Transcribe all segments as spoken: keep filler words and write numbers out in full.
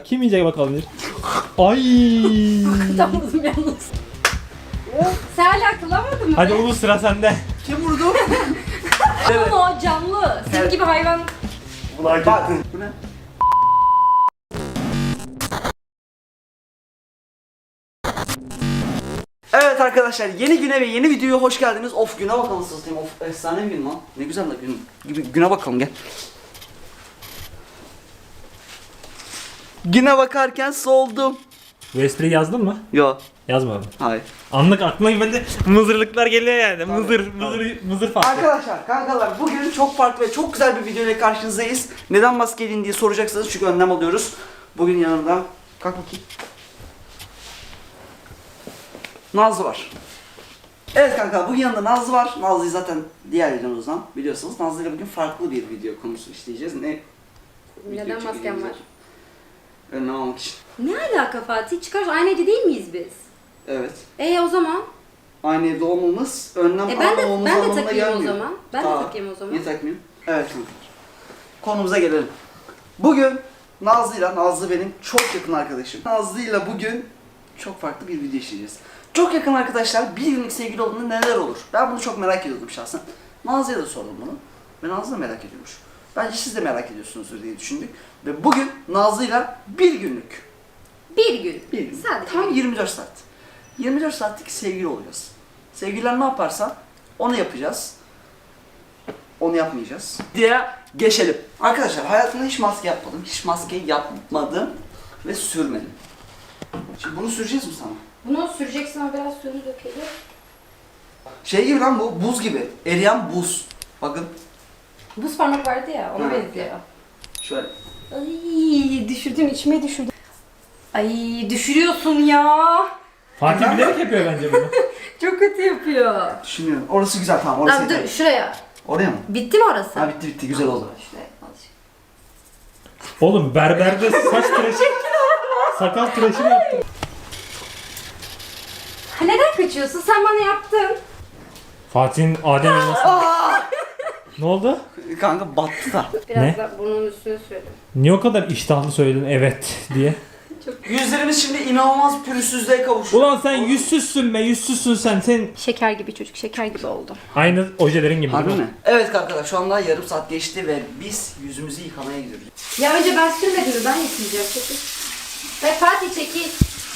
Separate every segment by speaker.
Speaker 1: Kim yiyecek bakalım bir. Ay.
Speaker 2: Tam vurdum yalnız. Sen hala kılamadın mı?
Speaker 1: Hadi Ulu sıra sende.
Speaker 3: Kim vurdu?
Speaker 2: Ama o canlı. Senin
Speaker 3: Evet.
Speaker 2: gibi hayvan.
Speaker 3: Bak. Bu ne? Evet arkadaşlar, yeni güne ve yeni videoya hoş geldiniz. Of, güne bakalım satayım. Of, efsane bir gün lan. Ne güzel de gün. Gibi güne bakalım, gel. Güne bakarken soldum.
Speaker 1: Bu espriyi yazdın mı?
Speaker 3: Yo,
Speaker 1: Yazmadım.
Speaker 3: hayır.
Speaker 1: Anlık aklıma böyle mızırlıklar geliyor yani. Mızır, mızır, mızır farklı.
Speaker 3: Arkadaşlar, kankalar, bugün çok farklı ve çok güzel bir video ile karşınızdayız. Neden maske giydin diye soracaksınız çünkü önlem alıyoruz. Bugün yanımda, kalk bakayım, Nazlı var. Evet kanka, bugün yanında Nazlı var. Nazlı'yı zaten diğer videomuzdan biliyorsunuz. Nazlı ile bugün farklı bir video konusu işleyeceğiz. Ne?
Speaker 2: Neden masken var?
Speaker 3: Önlem almak için.
Speaker 2: Ne alaka Fatih? Çıkar, aynı evde değil miyiz biz?
Speaker 3: Evet.
Speaker 2: E o zaman?
Speaker 3: Aynı evde olmamız, önlem
Speaker 2: E ben de
Speaker 3: almamamız
Speaker 2: ben de
Speaker 3: anlamına
Speaker 2: takayım o
Speaker 3: gelmiyor.
Speaker 2: zaman. Ben
Speaker 3: Aa,
Speaker 2: de takayım o zaman.
Speaker 3: Niye takmayayım? Evet kanka. Konumuza gelelim. Bugün Nazlı'yla, Nazlı benim çok yakın arkadaşım. Nazlı'yla bugün çok farklı bir video işleyeceğiz. Çok yakın arkadaşlar bir günlük sevgili olduğunda neler olur? Ben bunu çok merak ediyordum şahsen. Nazlı'ya da sordum bunu. Ve Nazlı da merak ediyormuş. Bence siz de merak ediyorsunuzdur diye düşündük. Ve bugün Nazlı'yla bir günlük,
Speaker 2: Bir gün.
Speaker 3: bir gün,
Speaker 2: Sadece
Speaker 3: tam
Speaker 2: bir gün.
Speaker 3: yirmi dört saat. yirmi dört saatlik sevgili olacağız. Sevgililer ne yaparsa onu yapacağız. Onu yapmayacağız diye geçelim. Arkadaşlar, hayatımda hiç maske yapmadım. Hiç maske yapmadım ve sürmedim. Şimdi bunu süreceğiz mi sana?
Speaker 2: Bunu süreceksin ama biraz suyunu dökelim.
Speaker 3: Şey gibi lan bu, buz gibi. Eriyen buz. Bakın.
Speaker 2: Buz parmak vardı ya, ona
Speaker 3: Ha.
Speaker 2: benziyor.
Speaker 3: Şöyle.
Speaker 2: Ay düşürdün, içime düşürdün. Ay düşürüyorsun ya.
Speaker 1: Fatih bilerek yapıyor bence bunu.
Speaker 2: Çok kötü yapıyor.
Speaker 3: Düşünüyorum. Orası güzel, tamam. Orası
Speaker 2: Abi dur
Speaker 3: yeter.
Speaker 2: şuraya.
Speaker 3: Oraya mı?
Speaker 2: Bitti mi orası?
Speaker 3: Ha, bitti bitti, güzel oldu.
Speaker 2: Şuraya azıcık.
Speaker 1: Oğlum berberde saç tıraşı, sakal tıraşı mı yaptın?
Speaker 2: Ha, neden kaçıyorsun? Sen bana yaptın.
Speaker 1: Fatih'in Adem elması. Ne oldu?
Speaker 3: Kanka battı da.
Speaker 2: Biraz
Speaker 1: Ne?
Speaker 2: da burnunun üstüne sürelim.
Speaker 1: Niye o kadar iştahlı söyledin evet diye?
Speaker 3: Yüzlerimiz şimdi inanılmaz pürüzsüzlüğe kavuştu.
Speaker 1: Ulan sen yüzsüzsün be, yüzsüzsün sen. Sen
Speaker 2: Şeker gibi çocuk, şeker gibi oldu.
Speaker 1: aynı ojelerin gibi
Speaker 3: Harbi
Speaker 1: değil mi?
Speaker 3: mi? Evet arkadaşlar, şu anda yarım saat geçti ve biz yüzümüzü yıkamaya gidiyoruz.
Speaker 2: Ya önce ben sürmedim mi? Ben yıkayacağım. Çekil. Ve Fatih çekil.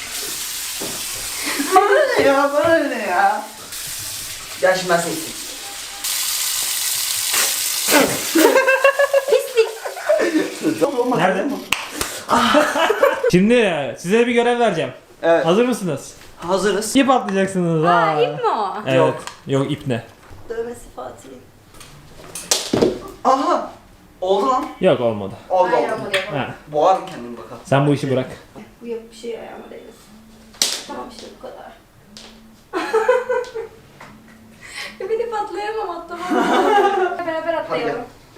Speaker 3: Bana ne ya, bana ne ya? Gel şimdi ben seni yıkayayım.
Speaker 2: Pislik.
Speaker 1: Nerede? Şimdi size bir görev vereceğim.
Speaker 3: Evet.
Speaker 1: Hazır mısınız?
Speaker 3: Hazırız.
Speaker 1: İp atlayacaksınız.
Speaker 2: Aa
Speaker 1: ha.
Speaker 2: ip mi o?
Speaker 1: Evet.
Speaker 3: Yok.
Speaker 1: Yok ip ne?
Speaker 2: Dövmesi Fatih'in.
Speaker 3: Aha! Oldu lan.
Speaker 1: Yok olmadı.
Speaker 3: Oldu
Speaker 2: Hayır
Speaker 3: oldu.
Speaker 2: ama yapalım.
Speaker 1: Ha.
Speaker 3: Boğarım kendimi bakalım.
Speaker 1: Sen bu işi bırak.
Speaker 2: Bu yok bir şey ayağıma değmesin. Tamam işte bu kadar. Ya bir de patlayamam atlamam. Beraber atlayalım.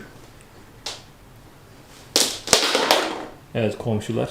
Speaker 1: Evet komşular.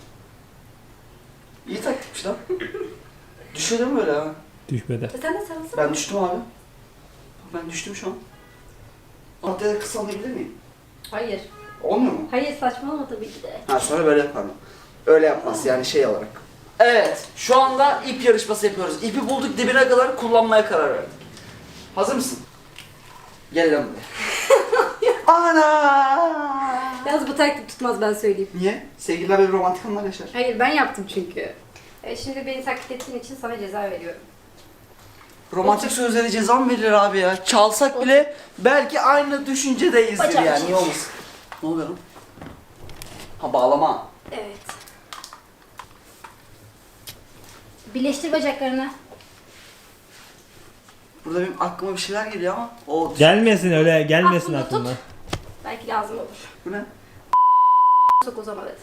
Speaker 3: İyi taktikmiş lan. Düşüyor değil mi böyle ha?
Speaker 1: Düşmedi.
Speaker 2: E sen de sarılsana.
Speaker 3: Ben düştüm abi. Ben düştüm şu an. Haftaya da kısalabilir miyim?
Speaker 2: Hayır.
Speaker 3: Olmuyor mu?
Speaker 2: Hayır saçmalama tabii ki de.
Speaker 3: Ha, sonra böyle yaparım. Öyle yapmaz yani, şey olarak. Evet, şu anda ip yarışması yapıyoruz. İpi bulduk, dibine kadar kullanmaya karar verdik. Hazır mısın? Gel lan buraya. Ana!
Speaker 2: Yalnız bu taktik tutmaz ben söyleyeyim.
Speaker 3: Niye? Sevgililer böyle romantik anlar yaşar.
Speaker 2: Hayır ben yaptım çünkü. E şimdi beni taklit ettiğin için sana ceza veriyorum.
Speaker 3: Romantik sözlere ceza mı verilir abi ya? Çalsak bile belki aynı düşüncedeyizdir
Speaker 2: Bacak
Speaker 3: yani.
Speaker 2: çek.
Speaker 3: Niye olmasın? Ne oluyor lan? Ha, bağlama.
Speaker 2: Evet. Birleştir bacaklarını.
Speaker 3: Burada benim aklıma bir şeyler geliyor ama o
Speaker 1: Gelmesin öyle gelmesin
Speaker 2: Aklında
Speaker 1: aklına.
Speaker 2: tut. Belki lazım olur.
Speaker 3: bu ne?
Speaker 2: Sok o zaman hadi.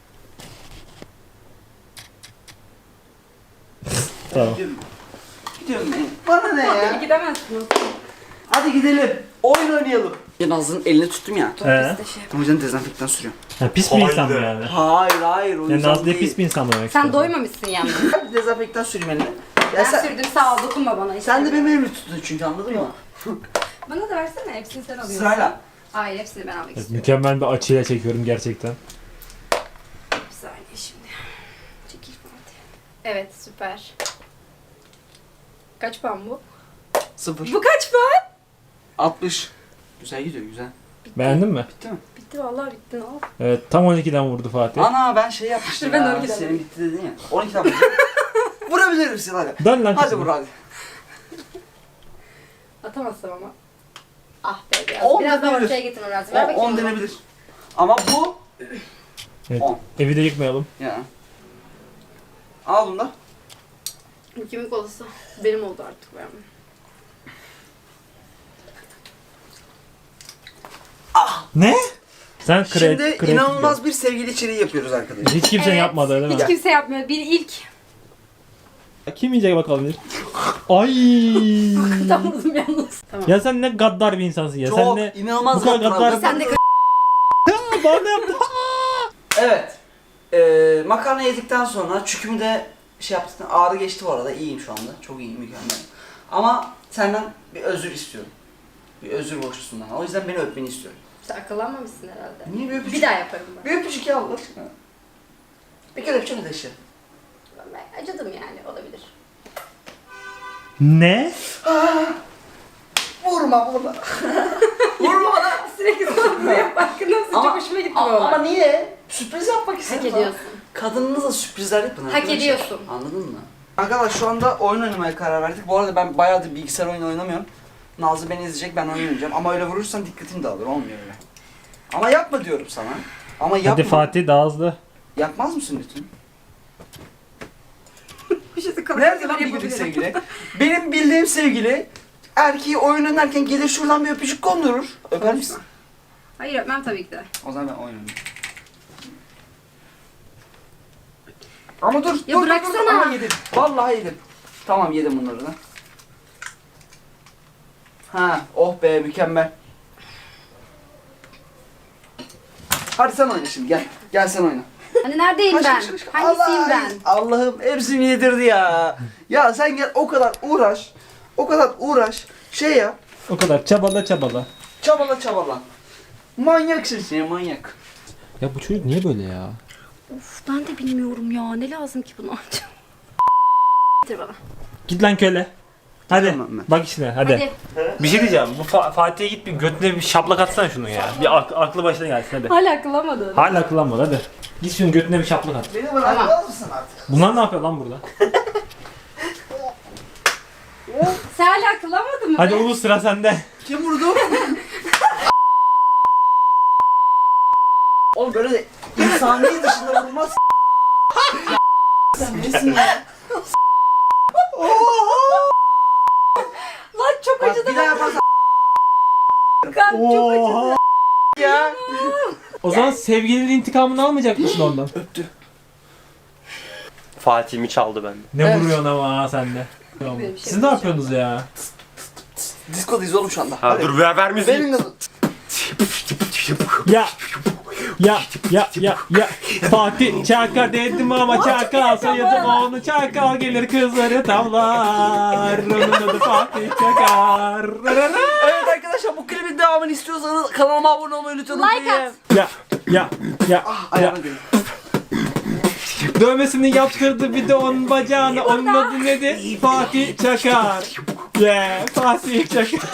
Speaker 1: Tamam.
Speaker 3: Gidiyorum. Gidiyorum ben. Bana ne ya?
Speaker 2: Gidemezsin.
Speaker 3: Hadi gidelim. Oyun oynayalım. Ya Nazlı'nın elini tuttum ya.
Speaker 1: He.
Speaker 3: O yüzden dezenfektan sürüyorum.
Speaker 1: Ha, pis bir insan mı yani?
Speaker 3: Hayır hayır, o
Speaker 1: Yani
Speaker 3: yüzden
Speaker 1: Nazlı'ya
Speaker 3: değil.
Speaker 1: pis bir insan mı demek
Speaker 2: Sen
Speaker 1: istiyorsun?
Speaker 2: doymamışsın yalnız.
Speaker 3: Ben dezenfektan süreyim eline.
Speaker 2: Ben
Speaker 3: Ya sen,
Speaker 2: sürdüm sağ ol dokunma bana.
Speaker 3: sen de
Speaker 2: istemiyorum.
Speaker 3: benim elimi tuttun çünkü, anladın mı?
Speaker 2: Bana da versene hepsini sen alıyorsun.
Speaker 3: Sırayla.
Speaker 2: Hayır hepsini ben almak
Speaker 1: Evet,
Speaker 2: istiyorum.
Speaker 1: mükemmel bir açıyla çekiyorum gerçekten.
Speaker 2: Bir saniye şimdi. Çekil Fatih. Evet süper. Kaç puan bu?
Speaker 3: Sıfır.
Speaker 2: Bu kaç puan?
Speaker 3: altmış. Güzel gidiyor güzel.
Speaker 1: Beğendin mi?
Speaker 3: Bitti mi?
Speaker 2: Bitti vallahi bitti ne oldu?
Speaker 1: Evet tam on ikiden vurdu Fatih.
Speaker 3: Ana ben şey yapmıştım
Speaker 2: Ben
Speaker 3: ya.
Speaker 2: on ikiden
Speaker 3: Senin bitti dedin ya. on ikiden vurdum. Vurabilir misin hadi?
Speaker 1: Dön lan
Speaker 3: Hadi
Speaker 1: kızım.
Speaker 3: vur hadi.
Speaker 2: Atamazsam ama. Ah be biraz.
Speaker 3: On
Speaker 2: Biraz daha
Speaker 3: denebilir.
Speaker 2: ortaya getirmem lazım. Ver bakayım.
Speaker 3: on
Speaker 2: onu.
Speaker 3: denebilir. Ama bu
Speaker 1: Evet.
Speaker 3: on.
Speaker 1: Evi de yıkmayalım.
Speaker 3: Ya. Al bunu da.
Speaker 2: Bu kimin kolası? Benim oldu artık bu yani.
Speaker 1: Ne? Sen kre
Speaker 3: Şimdi
Speaker 1: kreatif
Speaker 3: inanılmaz bir sevgili içeriği yapıyoruz arkadaşlar.
Speaker 1: Hiç kimse
Speaker 2: Evet.
Speaker 1: yapmadı değil mi?
Speaker 2: Hiç kimse yapmıyor. Bir ilk.
Speaker 1: Kim yiyecek bakalım bir. Ay.
Speaker 2: Tam vurdum yalnız. Tamam.
Speaker 1: Ya sen ne gaddar bir insansın ya.
Speaker 3: Çok
Speaker 1: Sen ne
Speaker 3: inanılmaz
Speaker 1: bu kadar
Speaker 3: gaddar
Speaker 1: gaddar-
Speaker 3: oldun.
Speaker 2: Sen de
Speaker 1: Aa, bana yaptı.
Speaker 3: Evet. Ee, makarna yedikten sonra çükümü de şey yaptıktan ağrı geçti bu arada. İyiyim şu anda. Çok iyiyim, mükemmel. Ama senden bir özür istiyorum. Bir özür borçlusun bana. O yüzden beni öpmeni istiyorum.
Speaker 2: Sen akıllanmamışsın herhalde.
Speaker 3: Niye bir öpücük?
Speaker 2: Bir daha yaparım ben.
Speaker 3: Bir öpücük ya Allah aşkına. Bir kere öpeceğim de işte.
Speaker 2: Ben acıdım yani olabilir.
Speaker 1: Ne?
Speaker 3: Vurma vurma. Vurma bana.
Speaker 2: Sürekli sana bunu yap. Farkında mısın? Çok hoşuma gitti bu
Speaker 3: ama,
Speaker 2: olay.
Speaker 3: ama niye? Sürpriz yapmak istedim.
Speaker 2: Hak
Speaker 3: sana.
Speaker 2: ediyorsun.
Speaker 3: Kadınınıza sürprizler yapın
Speaker 2: Hak
Speaker 3: arkadaşlar.
Speaker 2: ediyorsun.
Speaker 3: Anladın mı? Arkadaşlar şu anda oyun oynamaya karar verdik. Bu arada ben bayağıdır bilgisayar oyunu oynamıyorum. Nazlı beni izleyecek, ben oynayacağım. Ama öyle vurursan dikkatim dağılır, olmuyor öyle. Ama yapma diyorum sana. Ama yapma.
Speaker 1: Hadi Fatih daha hızlı.
Speaker 3: Yapmaz mısın lütfen?
Speaker 2: Bir şey
Speaker 3: Nerede lan bildiğin sevgili? Benim bildiğim sevgili erkeği oyun oynarken gelir şuradan bir öpücük kondurur. Öper misin?
Speaker 2: Hayır öpmem tabii ki de.
Speaker 3: O zaman ben oynayayım. Ama dur,
Speaker 2: Ya
Speaker 3: dur, dur,
Speaker 2: bıraksana.
Speaker 3: dur. Ama yedim. Vallahi yedim. Tamam yedim bunları da. Ha, oh be mükemmel. Hadi sen oyna şimdi gel. Gel sen oyna.
Speaker 2: Hani neredeyim
Speaker 3: Kaç,
Speaker 2: ben?
Speaker 3: kaç, kaç, kaç.
Speaker 2: Hangisiyim
Speaker 3: Allah,
Speaker 2: ben?
Speaker 3: Allah'ım hepsini yedirdi ya. Ya sen gel o kadar uğraş. O kadar uğraş. Şey yap.
Speaker 1: O kadar çabala çabala.
Speaker 3: Çabala çabala. Manyaksın sen manyak.
Speaker 1: Ya bu çocuk niye böyle ya?
Speaker 2: Of ben de bilmiyorum ya. Ne lazım ki buna? Getir bana.
Speaker 1: Git lan köle. Hadi
Speaker 3: Tamam ben.
Speaker 1: bak işine hadi.
Speaker 2: Hadi.
Speaker 1: Bir şey diyeceğim. Bu Fa- Fatih'e git bir götüne bir şaplak atsana şunu ya. Bir ak- aklı başına gelsin hadi.
Speaker 2: Hala akıllamadın.
Speaker 1: Hala akıllanmadı hadi. Git şunun götüne bir şaplak at.
Speaker 3: Beni bırakmaz mısın artık?
Speaker 1: Bunlar ne yapıyor lan burada?
Speaker 2: Sen hala akıllamadın mı?
Speaker 1: Hadi
Speaker 2: be?
Speaker 1: Ulu sıra sende.
Speaker 3: Kim vurdu? Oğlum böyle de insani dışında vurulmaz. Sen nesin ya?
Speaker 2: Lan çok
Speaker 3: Bak
Speaker 2: acıdı.
Speaker 3: bir daha yaparsan
Speaker 2: Kan çok acıdı.
Speaker 3: ya.
Speaker 1: O zaman sevgilinin intikamını almayacak mısın ondan?
Speaker 3: Öptü.
Speaker 4: Fatih'imi çaldı benden.
Speaker 1: Ne
Speaker 3: Evet.
Speaker 1: vuruyorsun ama ha sen de.
Speaker 2: bir şey
Speaker 1: Siz ne yapıyorsunuz ya?
Speaker 3: Diskodayız oğlum şu anda.
Speaker 4: Ha
Speaker 3: Hadi.
Speaker 4: dur ver ver müziği.
Speaker 3: Benim kızım.
Speaker 1: Ya ya ya ya ya Fatih Çakar dedim ama Çakal soyadım onu Çakal gelir kızları tavlar. Onun adı Fatih Çakar.
Speaker 3: Evet arkadaşlar bu klibin devamını istiyorsanız kanalıma abone olmayı lütfen
Speaker 2: Like
Speaker 3: unutmayın.
Speaker 2: at.
Speaker 1: Ya ya ya ya
Speaker 3: Ayağına değin.
Speaker 1: dövmesini yaptırdı bir de onun bacağına. Onun adı nedir? Fatih Çakar. Yeah Fatih Çakar.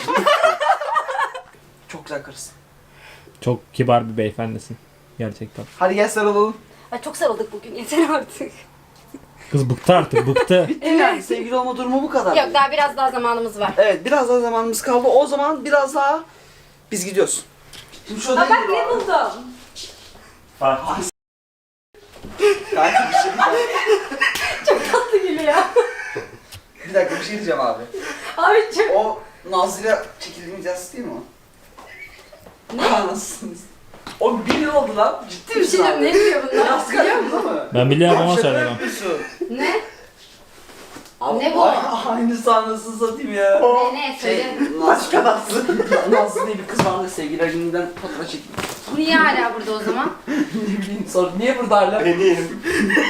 Speaker 3: Çok güzel karısın.
Speaker 1: Çok kibar bir beyefendisin. Gerçekten.
Speaker 3: Hadi gel sarılalım.
Speaker 2: Ay çok sarıldık bugün. Yeter artık.
Speaker 1: Kız bıktı artık bıktı.
Speaker 3: Bitti yani sevgili olma durumu bu kadar.
Speaker 2: Yok daha biraz daha zamanımız var.
Speaker 3: Evet biraz daha zamanımız kaldı. O zaman biraz daha biz gidiyoruz. Şimdi şu
Speaker 2: Aa,
Speaker 3: odaya
Speaker 2: bak
Speaker 3: gidelim
Speaker 2: ne
Speaker 3: abi.
Speaker 2: buldum.
Speaker 1: Fatih.
Speaker 3: Kanka bir şey diyeceğim.
Speaker 2: Çok tatlı gülüyor.
Speaker 3: Bir dakika bir şey diyeceğim abi.
Speaker 2: Abi çok...
Speaker 3: O Nazlı'yla çekildiğimiz yaz değil mi o? Ne? Anasınız. O bir yıl oldu lan. Ciddi
Speaker 2: Bir
Speaker 3: misin
Speaker 2: şey
Speaker 3: abi?
Speaker 2: diyeyim, ne diyor bunlar?
Speaker 3: Yaz
Speaker 2: Biliyor
Speaker 3: kaçtı
Speaker 2: musun?
Speaker 3: değil mi?
Speaker 1: Ben biliyorum ama
Speaker 3: Şaka
Speaker 1: söylemem.
Speaker 3: yapıyorsun.
Speaker 2: Ne?
Speaker 3: Abi,
Speaker 2: Ne bu?
Speaker 3: ay- Aynı sahnesini satayım ya.
Speaker 2: Ne ne
Speaker 3: Şey,
Speaker 2: söyle.
Speaker 3: Nazlı Nazlı. Nazlı diye bir kız vardı sevgililer gününden fotoğraf çektim.
Speaker 2: Bu niye hala burada o zaman?
Speaker 3: Ne bileyim sonra niye burada hala?
Speaker 4: Benim.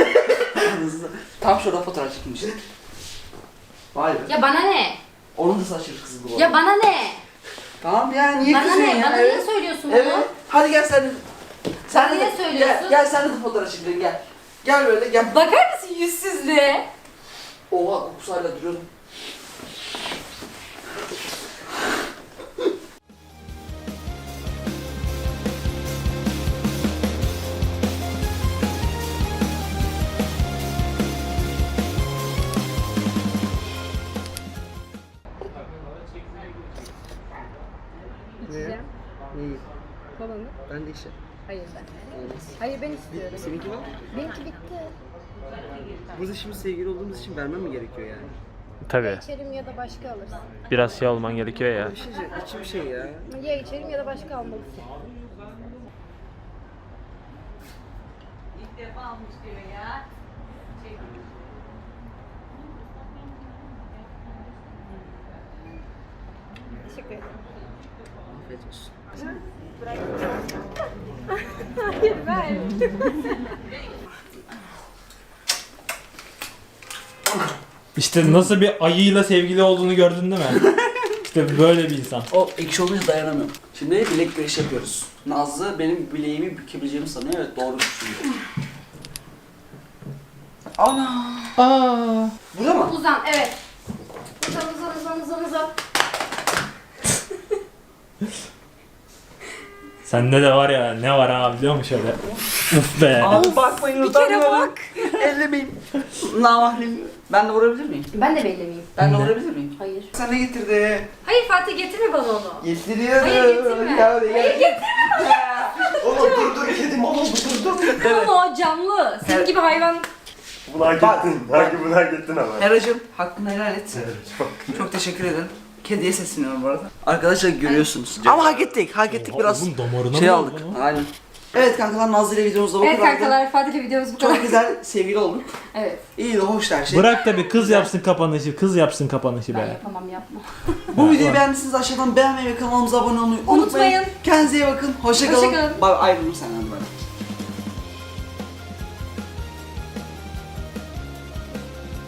Speaker 3: Tam şurada fotoğraf çekmiştik. Vay be.
Speaker 2: Ya bana ne?
Speaker 3: Onun da saçları kızıldı bu arada.
Speaker 2: Ya bana ne?
Speaker 3: Tamam ya niye
Speaker 2: Bana
Speaker 3: kızıyorsun
Speaker 2: ne?
Speaker 3: ya?
Speaker 2: Bana
Speaker 3: Evet.
Speaker 2: niye söylüyorsun bunu?
Speaker 3: Evet. Hadi gel sen. Sen
Speaker 2: Niye
Speaker 3: de
Speaker 2: söylüyorsun?
Speaker 3: Gel, gel sen de fotoğraf çekelim gel. Gel böyle gel.
Speaker 2: Bakar mısın yüzsüzlüğe?
Speaker 3: Oha kokusu hala duruyordu.
Speaker 4: İçeceğim.
Speaker 5: Neyi?
Speaker 4: Kolanı.
Speaker 5: Ben de işte.
Speaker 4: Hayır ben. Hayır ben istiyorum.
Speaker 5: Seninki var.
Speaker 4: Benimki bitti.
Speaker 5: Burada şimdi sevgili olduğumuz için vermem mi gerekiyor yani?
Speaker 1: Tabii.
Speaker 4: İçerim ya da başka alırsın.
Speaker 1: Biraz şey olman gerekiyor ya.
Speaker 5: Bir şey, içi bir şey ya.
Speaker 4: Ya içerim ya da başka almalısın. Teşekkür ederim.
Speaker 5: Afiyet olsun.
Speaker 4: Hayır ver.
Speaker 1: İşte nasıl bir ayıyla sevgili olduğunu gördün değil mi? İşte böyle bir insan.
Speaker 3: O ekşi olunca dayanamıyorum. Şimdi bilek güreşi yapıyoruz. Nazlı benim bileğimi bükebileceğimi sanıyor. Evet doğru düşünüyor. Ana.
Speaker 1: Aa.
Speaker 3: Burada mı?
Speaker 2: Uzan, evet. Uzan, uzan, uzan, uzan, uzan.
Speaker 1: Sende de var ya ne var ha biliyor musun şöyle? Uf be.
Speaker 3: Abi bakmayın
Speaker 4: Bir kere
Speaker 3: utanıyorum.
Speaker 4: bak.
Speaker 3: Ellemeyin. Namahrem. Ben de vurabilir miyim?
Speaker 2: Ben de bellemeyeyim.
Speaker 3: Ben de
Speaker 1: Ne?
Speaker 3: vurabilir miyim?
Speaker 2: Hayır.
Speaker 3: Sen ne getirdi?
Speaker 2: Hayır Fatih getirme bana onu.
Speaker 3: Getiriyorum.
Speaker 2: Hayır getirme.
Speaker 3: Ya,
Speaker 2: Hayır
Speaker 3: ya.
Speaker 2: getirme.
Speaker 3: Oğlum dur dur kedim oğlum dur dur.
Speaker 2: Ama o canlı. Senin
Speaker 3: Evet.
Speaker 2: gibi hayvan.
Speaker 6: Bunu hak
Speaker 3: Bak.
Speaker 6: ettin. Sanki bunu hak ettin ama.
Speaker 3: Eracığım hakkını helal et. Çok teşekkür ederim. Kediye sesleniyorum bu arada. Arkadaşlar görüyorsunuz. Ama hak ettik. Hak ettik biraz.
Speaker 1: Oğlum damarına
Speaker 3: Şey
Speaker 1: mı
Speaker 3: aldık.
Speaker 1: oldu lan?
Speaker 3: Aynen. Evet kankalar Nazlı ile videomuzda bu
Speaker 2: Evet
Speaker 3: kadardı.
Speaker 2: kankalar Fatih'le videomuz bu kadar.
Speaker 3: Çok güzel sevgili olduk.
Speaker 2: Evet.
Speaker 3: İyi de hoş her şey.
Speaker 1: Bırak da bir kız yapsın kapanışı. Kız yapsın kapanışı
Speaker 2: Ben
Speaker 1: be.
Speaker 2: yapamam yapma.
Speaker 3: Bu videoyu
Speaker 1: var.
Speaker 3: beğendiyseniz aşağıdan beğenmeyi ve kanalımıza abone olmayı unutmayın.
Speaker 2: Unutmayın.
Speaker 3: Kendinize iyi bakın. Hoşça kalın.
Speaker 2: Hoşça kalın.
Speaker 3: Bay ayrıldım senden böyle.